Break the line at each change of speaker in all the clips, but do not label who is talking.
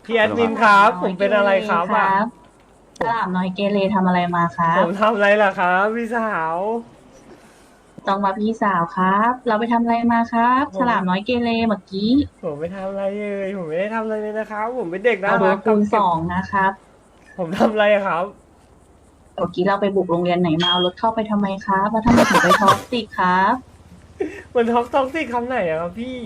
พี่แอดมินครับผมเป็นอะไรครับอ่ะ
ฉลามน้อยเกเรทำอะไรมาครับ
ผมทำอะไรล่ะครับพี่สาว
ต้องมาพี่สาวครับ เราไปทำอะไรมาครับฉ
ผม
ลามน้อยเกเรเมื่อกี้
ผมไม่ทำอะไรเลยผมไม่ได้ทำอะไรเลยนะครับผมเป็นเด็กน่า
เราโด
รักครับ
นคูณสองนะครับ
ผมทำอะไรอะครับ
เมื่อกี้เราไปบุกโรงเรียนไหนมาเอารถเข้าไปทำไมครับแล้วทำไมถึงไปท็อกซิกครับ
มันท็อกซี่คำไหนอะครับพี่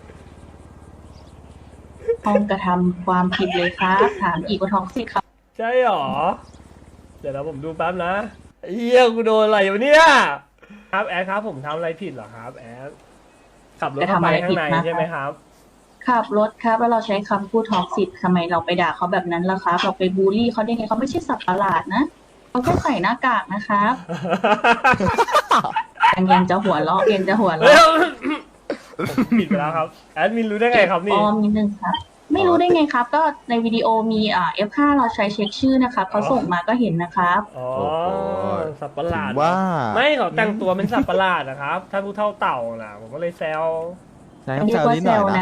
ห้องกระทำความผิดเลยครับถามอีกว่าท็อกซิกครับ
ใช่หรอเดี๋ยวนะผมดูแป๊บนะเฮียกูโดนอะไรอยู่เนี่ยครับแอดครับผมทำอะไรผิดเหรอครับแอดขับรถเข้าไปข้างในใช่ไหมครับ
ขับรถครับแล้วเราใช้คำพูดท็อกซิกทำไมเราไปด่าเขาแบบนั้นล่ะครับเราไปบูลลี่เขาได้ไงเขาไม่ใช่สัตว์ประหลาดนะเขาแค่ใส่หน้ากากนะครับยังจะหัวเราะยังจะหัวเราะ
ผมผิดไปแล้วครับแอดมินรู้ได้ไงครับ
อ
นี่
อมนิดนึงครับไม่รู้ได้ไงครับ ก็ในวิดีโอมีF5 เราใช้เช็คชื่อนะครับเขาส่งมาก็เห็นนะครับ
อ๋อ
โอ้โห
สัตว์ประหลาด
ว่า
ไม่เขาแต่งตัวเป็นสัตว์ประหลาดนะครับถ้าผู้เท่าเต่านะผมก็เลยแซว
ใช่
เรีย
แซ
ก
ว
ว่า
นิด
เซ
หน่อย
ล
นะ
นะ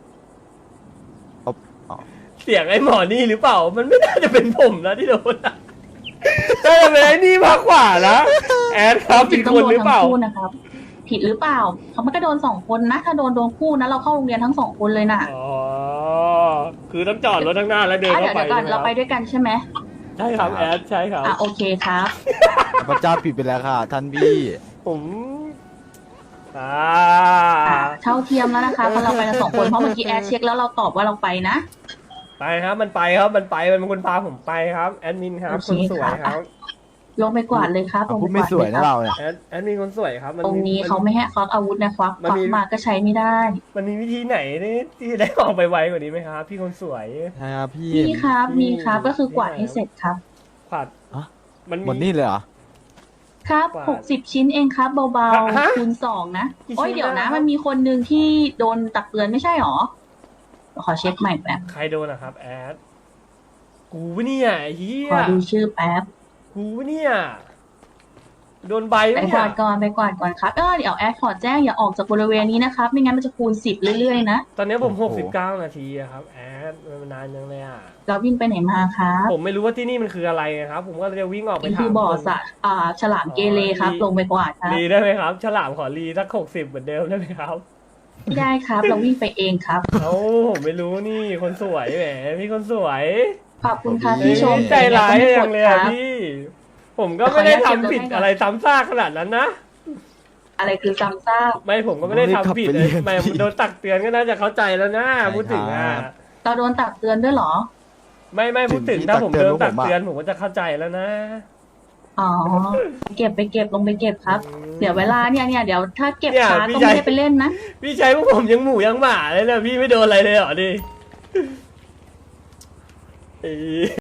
อ๋อ
เสียงไอ้หมอนี่หรือเปล่า มันไม่น่าจะเป็นผมนะที่โดนน่าจะเป็นไอ้นี่มากกว่านะแอดครับผิดคนหรือเปล่า
ผิดต้องโดนทั้งคู่นะครับผิดหรือเปล่าเขาไม่ก็โดนสองคนนะถ้าโดนคู่นะเราเข้าโรงเรียนทั้งสองคนเลยน่ะ
อ๋อคือต้องจอดรถข้างหน้าแล้วเดิน
เดี๋
เข้า
ยว
ไป
ก่อน
ใช่ไหม
เรา
ค
ไป
รับ
ด้วยกันใช่ไหม
ใช่ครับแอดใช่ครับ
โอเคครับ
พระเจ้าผิดไปแล้วค่ะ ท่านพี่
ผมอ่า
เท่าเทียมแล้วนะคะเพราะเราไปกันสองคนเพราะเมื่อกี้แอดเช็คแล้วเราตอบว่าเราไปนะ
ไปครับมันไปครับมันเป็นคนพาผมไปครับแอดมินครับ
โอเค
คนสวย
ค่ะ
ครับ
ลงไปกวาดเลยครับลง
พู
ไป
ด
ก
ไม่
วาด
สวย
เลยค
นะ
รับ
เราเนี่ย
แอดมินคนสวยครับ
ตรงนี้เขาไม่ให้ควักอาวุธนะควัก
มันมี
มาก็ใช้ไม่ได้
มันมีวิธีไหนที่จะได้ออกไปไวกว่านี้ไหมครับพี่คนสวย
ใช่ครับพี่
มีครับมีครับก็คือกวาดให้เสร็จครับ
ขวัด
ฮะ
มัน
หมดนี่เลยเหรอ
ครับ
กวาด
60 ชิ้นเองครับเบา
ฮะ
ๆคูณ2นะ
กี่ชิ้น
โอ้ยเดี๋ยว
นะ
นะครับ มันมีคนหนึ่งที่โดนตักเตือนไม่ใช่หรอขอเช็คใหม่แป๊บ
ใครโดนนะครับแอดกูปะเนี่ยไอ้เฮี
ข
ย
อดูชื่อแป๊บ
กูปะเนี่ยโดนใบ
ไป
ปะ
ก
เนี่
วาย ดก่อนไปกวาดก่อนครับเดี๋ยวแอดขอแจ้งอย่าออกจากบริเวณนี้นะครับ ไม่งั้นมันจะคูณ10เรื่อยๆนะ
ตอนนี้ผม
โอ้โห
69 นาทีอะครับแอดมันนานยังเลยอ่ะ
เราวิ่งไปไหนมาครับ
ผมไม่รู้ว่าที่นี่มันคืออะไรนะครับ ผมก็เลยวิ่งออกไป
นี่
ถาม
คือบ่อ
คน
สระฉลามเกเรครับ ลงไปกวาดครับ
รีได้ไหมครับ ฉลามขอรีสัก60เหมือนเดิมได้ไหมครับ
ไม่ได้ครับ เราวิ่งไปเองครับ
เอ้าผมไม่รู้นี่คนสวยแหมพี่คนสวย
ขอบคุณครับ
เอ้ย
ที่ชม
ใจร้าย
แต่
ยั
ก็
ง
ไม่
เลย
ก
อะ
ดครับ
พี่ ผมก็ไม่ได้ทำผิดอะไรซ้ำซากขนาดนั้นนะ
อะไรคือซ้ำซาก
ไม่ผมก็ไม่ได้ทำผิดเลยไม่โดนตักเตือนก็น่าจะเข้าใจแล้วนะพูดถึงอ่ะ
เราโดนตักเตือนด้วยเหรอ
ไม่พูดถึงถ้าผมโดนตักเตือนผมก็จะเข้าใจแล้วนะ
อ๋อไปเก็บลงไปเก็บครับ เดี๋ยวเวลาเนี่ยเดี๋ยวถ้าเก็บ
เนี่ย
ช้า
พี่
ก็
ใหญ่
ไม่ได้ไปเล่นนะ
พี่ใช้พวกผมยังหมูยังหมาเลยนะพี่ไม่โดนอะไรเลยเหรอดิ